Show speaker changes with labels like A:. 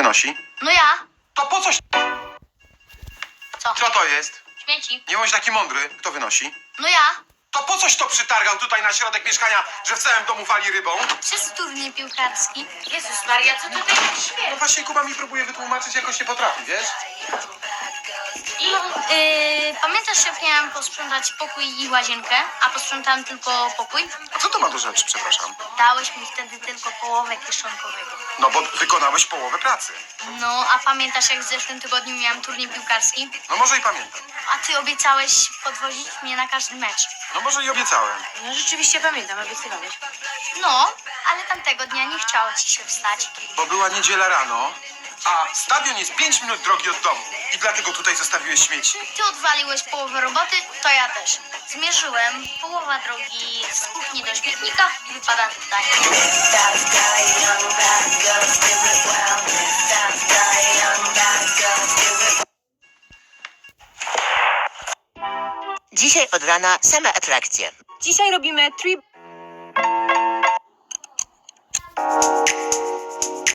A: wynosi?
B: No ja.
A: To po coś?
B: Co?
A: Co to jest?
B: Śmieci.
A: Nie bądź taki mądry. Kto wynosi?
B: No ja.
A: To po coś to przytargał tutaj na środek mieszkania, że w całym domu wali rybą?
B: Przez turniej piłkarski.
C: Jezus Maria, co tutaj tak
A: No
C: śmieje?
A: właśnie Kuba mi próbuje wytłumaczyć, jakoś nie potrafi, wiesz?
B: Pamiętasz, jak miałem posprzątać pokój i łazienkę, a posprzątałem tylko pokój?
A: A co to ma do rzeczy, przepraszam?
B: Dałeś mi wtedy tylko połowę kieszonkowego.
A: No bo wykonałeś połowę pracy.
B: No, a pamiętasz, jak w zeszłym tygodniu miałem turniej piłkarski?
A: No może i pamiętam.
B: A ty obiecałeś podwozić mnie na każdy mecz.
A: No może i obiecałem.
C: No rzeczywiście pamiętam, obiecywałeś.
B: No, ale tamtego dnia nie chciało ci się wstać.
A: Bo była niedziela rano, a stadion jest 5 minut drogi od domu. I dlatego tutaj zostawiłeś śmieci.
B: Ty odwaliłeś połowę roboty, to ja też. Zmierzyłem, połowa drogi z kuchni do śmietnika wypada tutaj.
D: Dzisiaj od rana same atrakcje.
E: Dzisiaj robimy trip